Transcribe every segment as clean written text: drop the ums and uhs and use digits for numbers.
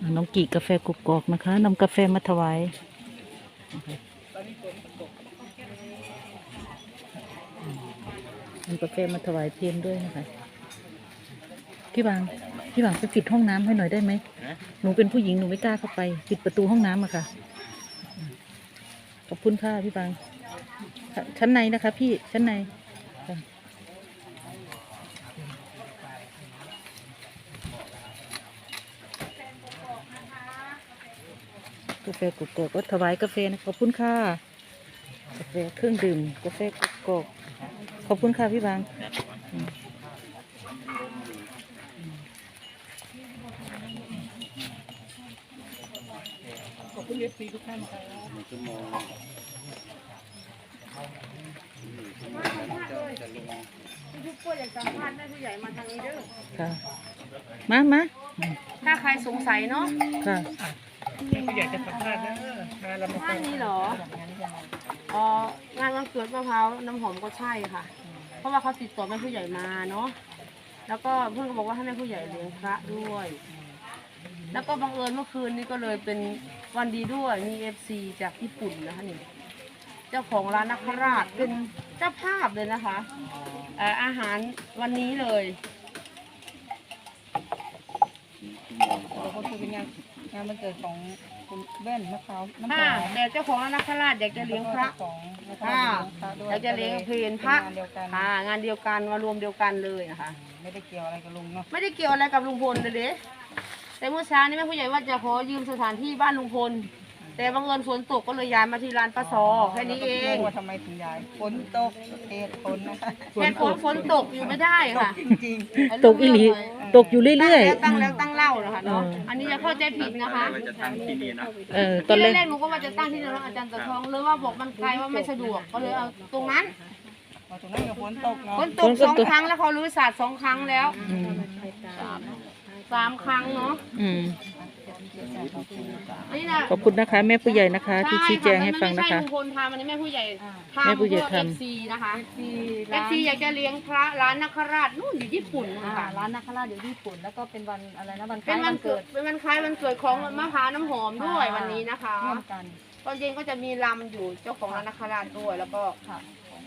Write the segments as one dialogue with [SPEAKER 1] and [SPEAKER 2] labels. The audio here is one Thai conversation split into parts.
[SPEAKER 1] น้องกี่กาแฟกกอกนะคะนำกาแฟมาถวายนำกาแฟมาถวายเพียรด้วยนะคะพี่บางไปปิดห้องน้ำให้หน่อยได้ไหมหนูเป็นผู้หญิงหนูไม่กล้าเข้าไปปิดประตูห้องน้ำอะค่ะขอบคุณค่ะพี่บางชั้นในนะคะพี่ชั้นในกาแฟกกอกก็ถวายกาแฟนะขอบคุณค่ะกาแฟเครื่องดื่มกาแฟกกอกขอบคุณค่ะพี่บางขอบคุณFCทุกท่านค่ะ
[SPEAKER 2] ทุกคนอยากสัมภาษณ์แม่ผู้ใหญ่มาทางนี้เด้อ
[SPEAKER 1] ค่ะมา
[SPEAKER 2] ถ้าใครสงสัยเนาะ
[SPEAKER 1] ค่ะ
[SPEAKER 3] แม่ผู้ใหญ่จะสัมภาษณ์นะมาเรามา
[SPEAKER 2] บ้านนี้เหรองานวันเกิดมะพร้าวน้ำหอมก็ใช่ค่ะ เพราะว่าเขาติดต่อแม่ผู้ใหญ่มาเนาะแล้วก็เพื่อนก็บอกว่าให้แม่ผู้ใหญ่เลี้ยงพระด้วย แล้วก็บังเอิญเมื่อคืนนี้ก็เลยเป็นวันดีด้วยมีFCจากญี่ปุ่นนะคะนี่เจ้าของร้านนักราชเป็นเจ้าภาพเลยนะคะอาหารวันนี้เลย
[SPEAKER 3] ก็คือเป็นงานวันเกิดของคุณแว่นมะพร้าวน้ำห
[SPEAKER 2] ค่ะ
[SPEAKER 3] อม
[SPEAKER 2] แต่เจ้าของร้านนักราชอยากจะเลี้ยงพระ
[SPEAKER 3] ของมะพ
[SPEAKER 2] ค่ะ
[SPEAKER 3] ร้าวด้วย
[SPEAKER 2] อยากจะเลี้ยงเพลพระ
[SPEAKER 3] งานเดียวกัน
[SPEAKER 2] ค่ะงานเดียวกันมารวมเดียวกันเลยนะคะ
[SPEAKER 3] ไม่ได้เกี่ยวอะไรกับลุงเนาะ
[SPEAKER 2] ไม่ได้เกี่ยวอะไรกับลุงพลเลยเด้แต่เมื่อเช้านี้แม่ผู้ใหญ่ว่าจะขอยืมสถานที่บ้านลุงพลแต่บังเอิญฝนตกก็เลยย้ายมาที่ร้านป้าซอแค่นี้เอง
[SPEAKER 3] ว่าทำไมถึงย้ายฝนตกเหตุผลนะคะ
[SPEAKER 2] แค่ฝนตกอยู่ไม่ได้ค่ะ
[SPEAKER 3] จริง
[SPEAKER 1] ตกอีหลีตกอยู่เรื่อย
[SPEAKER 2] ตั้งแล้วตั้งเล่านะคะเนาะอันนี้จะเข้าใจผิดนะคะ
[SPEAKER 1] ตอนแรก
[SPEAKER 2] แรกหนูก็ว่าจะตั้งที่ร้านอาจารย์ตะทองเลยว่าบอกมันไกลว่าไม่สะดวกก็เลยเอาตรงนั้น
[SPEAKER 3] ๆพอตรงนั้นกับฝนตกเนาะ
[SPEAKER 2] ฝนตก2 ครั้งแล้วเขารื้อศาสตร์2 ครั้งแล้ว3 ครั้งเนาะนี่นะ
[SPEAKER 1] ขอบคุณนะคะแม่ผู้ใหญ่นะคะที่ชี้แจงให้ฟังนะคะ
[SPEAKER 2] ไม่ใช่ลุงพลทำอันนี้แม่ผู้ใหญ่ทำ
[SPEAKER 1] แม่ผู้ใหญ่ทำ
[SPEAKER 2] เพื่อ FC นะคะ FC อยากจะเลี้ยงพระร้านนักราชนู่นอยู่ญี่ปุ่นนะคะ
[SPEAKER 4] ร้านนาคาราชอยู่ญี่ปุ่นแล้วก็เป็นวันอะไรนะวันค
[SPEAKER 2] เป็
[SPEAKER 4] ล้าน ย
[SPEAKER 2] วั
[SPEAKER 4] วัน น
[SPEAKER 2] เกิ
[SPEAKER 4] เกิ
[SPEAKER 2] ด
[SPEAKER 4] ด
[SPEAKER 2] เป็นวันคล้ายวันเกิดของมะพร้าวน้ำหอมด้วยวันนี้นะคะ
[SPEAKER 4] ร่วมกัน
[SPEAKER 2] ตอนเย็นก็จะมีลำอยู่เจ้าของร้านนักราชด้วยแล้วก็
[SPEAKER 4] ค่ะ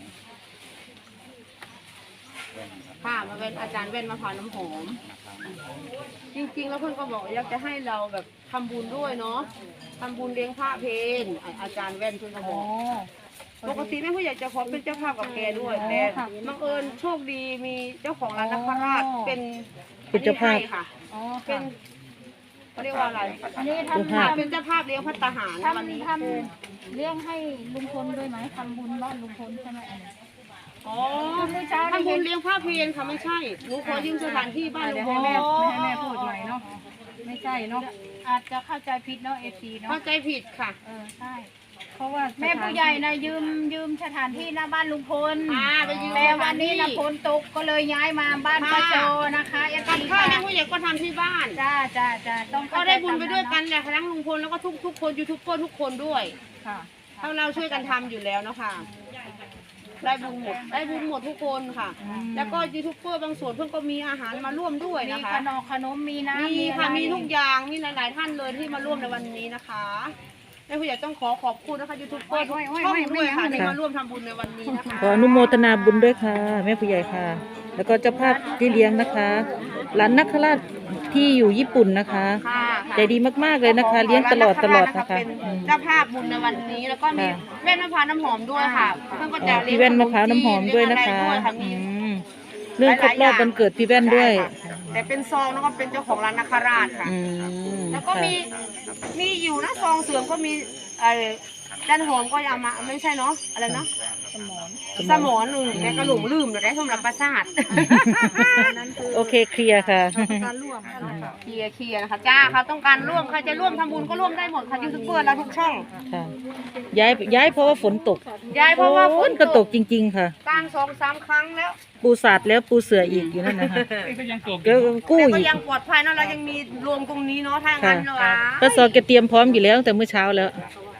[SPEAKER 2] ค่ะมาเป็นอาจารย์เว้นมะพร้าวน้ำหอม จริงๆแล้วเพื่อนก็บอกอยากจะให้เราแบบทำบุญด้วยเนาะทำบุญเลี้ยงพระเพลอาจารย์เว้นเพื่อนก็บอกปกติแม่ผู้ใหญ่จะขอเป็นเจ้าภาพกับแกด้วยแต่บังเอิญโชคดีมีเจ้าของร้านนักราชเป็น
[SPEAKER 1] เป็นเจ้าภาพ
[SPEAKER 2] อันนี้ให้ค่ะ
[SPEAKER 4] อ๋อ
[SPEAKER 2] เป็
[SPEAKER 4] ค่ะ
[SPEAKER 2] นเขาเรียกว่าอะไร
[SPEAKER 4] อันนี้
[SPEAKER 1] เจ้าภาพ
[SPEAKER 2] เป็นเจ้าภาพเลี้ยงพัตตาหารวันนี้
[SPEAKER 4] ทำเลี้ยงให้ลุงพลด้วยไหมทำบุญบ้านลุงพลใช่ไหมอันนี้
[SPEAKER 2] อ๋อทำบุญเลี้ยงพระเพลค่ะไม่ใช่หนูขอยืมสถานที่บ้านลุ
[SPEAKER 3] เดี๋ย
[SPEAKER 2] ง
[SPEAKER 3] ว
[SPEAKER 2] พ
[SPEAKER 3] ให้
[SPEAKER 2] ล
[SPEAKER 3] แม่พูดหน่อยเนาะไม่ใช่เนาะ
[SPEAKER 4] อาจจะเข้าใจผิดเนาะเอซีเนาะ
[SPEAKER 2] เข้าใจผิดค่ะ
[SPEAKER 4] ใช่
[SPEAKER 3] เพราะว่า
[SPEAKER 4] แม่ผู้ใหญ่นะยืมสถานที่หน้าบ้านลุงพล
[SPEAKER 2] ไปยืม
[SPEAKER 4] แต่วันนี้นะฝนตกก็เลยย้ายมาบ้านป้าโจนะคะเอ
[SPEAKER 2] กับ
[SPEAKER 4] ซี
[SPEAKER 2] ข้าว
[SPEAKER 4] ค่ะ
[SPEAKER 2] แม่ผู้ใหญ่ก็ทำที่บ้าน
[SPEAKER 4] จ้าต้อง
[SPEAKER 2] ก็ได้บุญไปด้วยกันแหละทั้งลุงพลแล้วก็ทุกคนยูทูบเบอร์ทุกคนด้วย
[SPEAKER 4] ค่ะ
[SPEAKER 2] ถ้าเราช่วยกันทำอยู่แล้วเนาะค่ะได้บุญหมดทุกคนค่ะ แล้วก็ยูทูบเบอร์บางส่วนเพื่อนก็มีอาหารมาร่วมด้วย
[SPEAKER 4] มี
[SPEAKER 2] นะคะ
[SPEAKER 4] ขนมมีน้ำ
[SPEAKER 2] มีค่ะ
[SPEAKER 4] อะไร
[SPEAKER 2] มีทุกอย่างมีหลายๆท่านเลยที่มาร่วมในวันนี้นะคะแม่ผู้ใหญ่ต้องขอบคุณนะคะยูทูบเบอร์ทุกช่องด้วยค่ะที่มาร่วมทำบุญในวันนี้นะคะ
[SPEAKER 1] ขออนุโมทนาบุญด้วยค่ะแม่ผู้ใหญ่ค่ะ แล้วก็เจ้าภาพที่เลี้ยงนะคะร้านนักราชที่อยู่ญี่ปุ่นนะคะ
[SPEAKER 2] ค่ะ
[SPEAKER 1] ใจดีมากๆเลยนะคะ เลี้ยงตลอดนะคะ
[SPEAKER 2] เป็นเจ้าภาพบุญในวันนี้แล้วก็มีแว่นมะพร้าวน้ำหอมด้วยค่ะเพื่อนก็จะเลี้ย
[SPEAKER 1] พี่
[SPEAKER 2] ง
[SPEAKER 1] แว่นมะพร้าวน้ำหอมด้วยนะคะ
[SPEAKER 2] เลี้ยงอะไรด้วยค่ะมี
[SPEAKER 1] เรื่องครบรอบวันเกิดพี่แว่นด้วย
[SPEAKER 2] ใช่ค่ะแต่เป็นซองแล้วก็เป็นเจ้าของร้านนาคาราชค่ะ แล้วก็
[SPEAKER 1] ค่ะ
[SPEAKER 2] มีอยู่นะซองเสื่อมก็มีด้านหอมก็เอามาไม่ใช่เนาะอะไรเนาะสมอนแต่กระหลงลืมเดี๋ยวได้สมรับประสาท
[SPEAKER 1] โอเคเคลียร์ค่ะ
[SPEAKER 4] การร่วมกันนะคะ
[SPEAKER 2] เคลียร์นะคะจ้าเขาต้องการร่วมใครจะร่วมทำบุญก็ร่วมได้หมดค่ะยูทูบเบอร์เราทุกช่อง
[SPEAKER 1] ค่ะย้ายเพราะว่าฝนตก
[SPEAKER 2] ยายเพราะว่าฝน
[SPEAKER 1] ก็ตกจริงๆค่ะ
[SPEAKER 2] กลาง2-3 ครั้งแล้ว
[SPEAKER 1] ปูสาดแล้วปูเสืออีกอยู่นั่นนะคะ
[SPEAKER 3] ก็ยังตก
[SPEAKER 1] ก็กู้
[SPEAKER 2] แต่ก็
[SPEAKER 1] อีก
[SPEAKER 2] ยังปลอดภัยเนาะเรายังมีรวมตรงนี้เนาะถ้างั้นเนาะ
[SPEAKER 1] ป้าซอแกเตรียมพร้อมอยู่แล้วตั้งแต่เมื่อเช้าแล้ว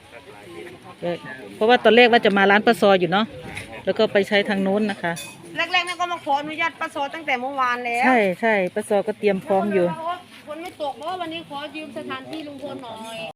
[SPEAKER 1] เพราะว่าตอนแรกว่าจะมาร้านป้าซออยู่เนาะแล้วก็ไปใช้ทางโน้นนะคะ
[SPEAKER 2] แรกๆนี่ก็มาขออนุญาตป้าโซตั้งแต่เมื่อวานแล้ว
[SPEAKER 1] ใช่ป้าซอก็เตรียมพร้อมอยู่
[SPEAKER 2] ฝนไม่ตกเพราะว่าวันนี้ขอยืมสถานที่ลุงพลหน่อย